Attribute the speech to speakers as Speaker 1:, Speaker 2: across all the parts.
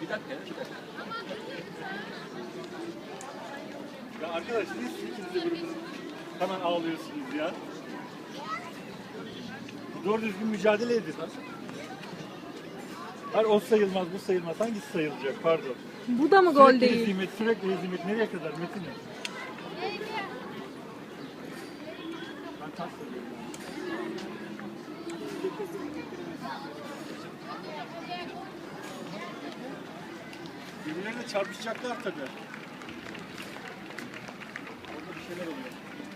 Speaker 1: Bir dakika ya. Bir dakika.
Speaker 2: Ya arkadaş niye siz ikiniz de böyle hemen ağlıyorsunuz ya? Doğru düzgün mücadele edin. Hayır o sayılmaz, bu sayılmaz. Hangisi sayılacak? Pardon.
Speaker 3: Bu da mı gol
Speaker 2: Sürekli
Speaker 3: değil?
Speaker 2: hezimet, sürekli hezimet. Nereye kadar Metin? Ben tas söylüyorum. Birbirlerine çarpışacaklar tabii. Orada bir şeyler oluyor.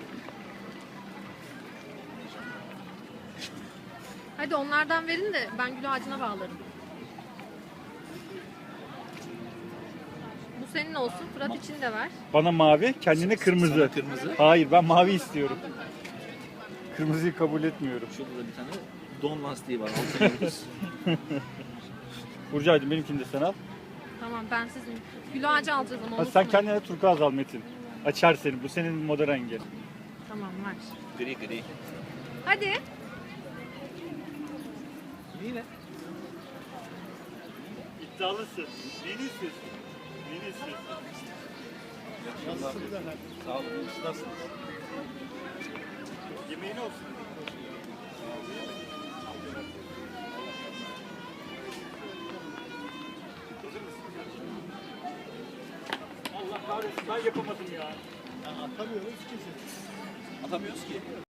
Speaker 3: Hadi onlardan verin de ben gül ağacına bağlarım. Bu senin olsun. Fırat için de ver.
Speaker 2: Bana mavi, kendine kırmızı.
Speaker 1: Sana kırmızı.
Speaker 2: Hayır, ben mavi istiyorum. Kırmızıyı kabul etmiyorum.
Speaker 1: Şurada da bir tane don lastiği var. Altına yıldız.
Speaker 2: Burcu'ydım, benimkini de sen al.
Speaker 3: Tamam ben sizin. Gül ağacı alacağız ama
Speaker 2: Ha, sen
Speaker 3: unutmayın.
Speaker 2: kendine turkuaz al Metin. Açar seni, bu senin moda rengi.
Speaker 3: Tamam ver.
Speaker 1: Gri gri.
Speaker 3: Hadi.
Speaker 1: Yine.
Speaker 2: İddialısın. Neyini istiyorsun? Neyini istiyorsun?
Speaker 1: Sağ olun. Nasılsınız?
Speaker 2: Yemeğin olsun. Hazır mısın? Allah kahretsin ben yapamadım ya.
Speaker 1: Atamıyoruz ki.